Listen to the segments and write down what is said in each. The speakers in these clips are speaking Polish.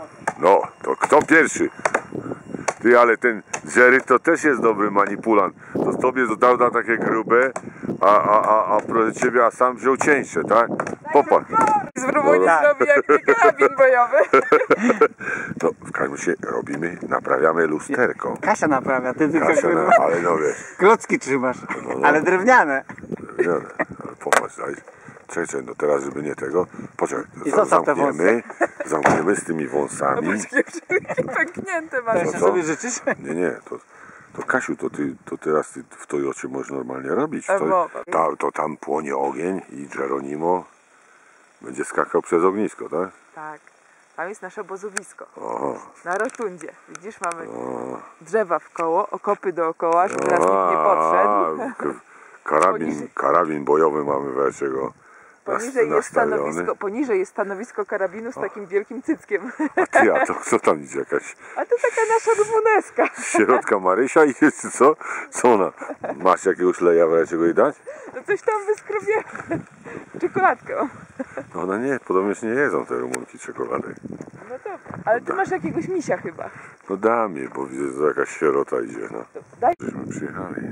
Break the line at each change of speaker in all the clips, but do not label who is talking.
No, to kto pierwszy? Ty, ale ten Jerry to też jest dobry manipulant. To tobie dodał na takie grube, a proszę ciebie, a sam wziął cieńsze, tak? Popatrz.
Spróbuj nie zrobi jak nie karabin bojowy.
No, w każdym razie robimy, naprawiamy lusterko.
Kasia naprawia, ty tylko
Kasia, ale no wiesz.
klocki trzymasz,
No.
ale drewniane.
Drewniane, ale popatrz, daj. Czekaj, no teraz, żeby nie tego. Poczekaj,
I zostaw te
zamkniemy z tymi wąsami.
Pęknięte
To
masz.
jeszcze sobie życzysz?
Nie, to Kasiu, to teraz ty w Toyocie możesz normalnie robić. To tam płonie ogień i Geronimo będzie skakał przez ognisko, tak?
Tak. Tam jest nasze obozowisko.
Aha.
Na rotundzie. Widzisz, mamy drzewa w koło, okopy dookoła, żeby teraz nikt nie podszedł.
Karabin bojowy mamy wreszcie
Poniżej jest stanowisko karabinu z takim wielkim cyckiem.
A to kto tam idzie? Jakaś
A to taka nasza rumuneska.
środka Marysia i jest co? Co ona? Masz jakiegoś leja wreszcie go i dać?
No coś tam wyskrobię. Czekoladkę.
No one nie, podobnie nie jedzą te Rumunki czekolady.
No to, ale ty masz jakiegoś misia chyba.
No dam je, bo widzę, że jakaś sierota idzie. No.
Daj.
Żeśmy przyjechali.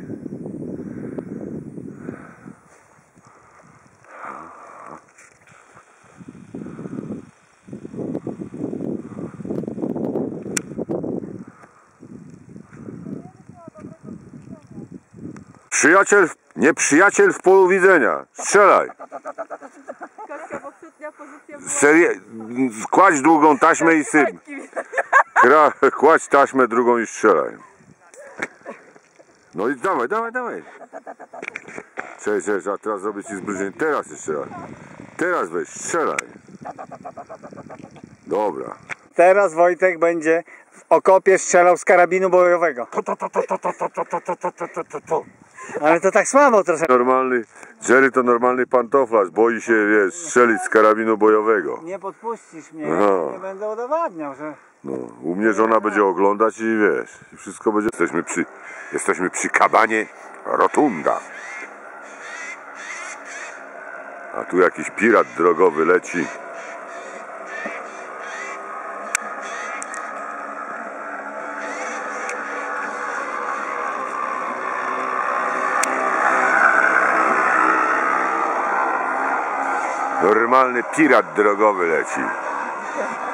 Nieprzyjaciel w polu widzenia. Strzelaj. Kładź długą taśmę i syp. Kładź taśmę drugą i strzelaj. No i dawaj. Cześć, a teraz zrobię ci zbliżenie. Teraz jeszcze raz. Teraz weź, strzelaj. Dobra.
Teraz Wojtek będzie w okopie strzelał z karabinu bojowego. Ale to tak słabo trochę.
Normalny, Jerry to normalny pantoflarz, boi się, wiesz, strzelić z karabinu bojowego.
Nie podpuścisz mnie,
No.
nie będę udowadniał, że...
No, u mnie żona będzie oglądać i wiesz, i wszystko będzie... Jesteśmy przy kabanie Rotunda. A tu jakiś pirat drogowy leci. Normalny pirat drogowy leci.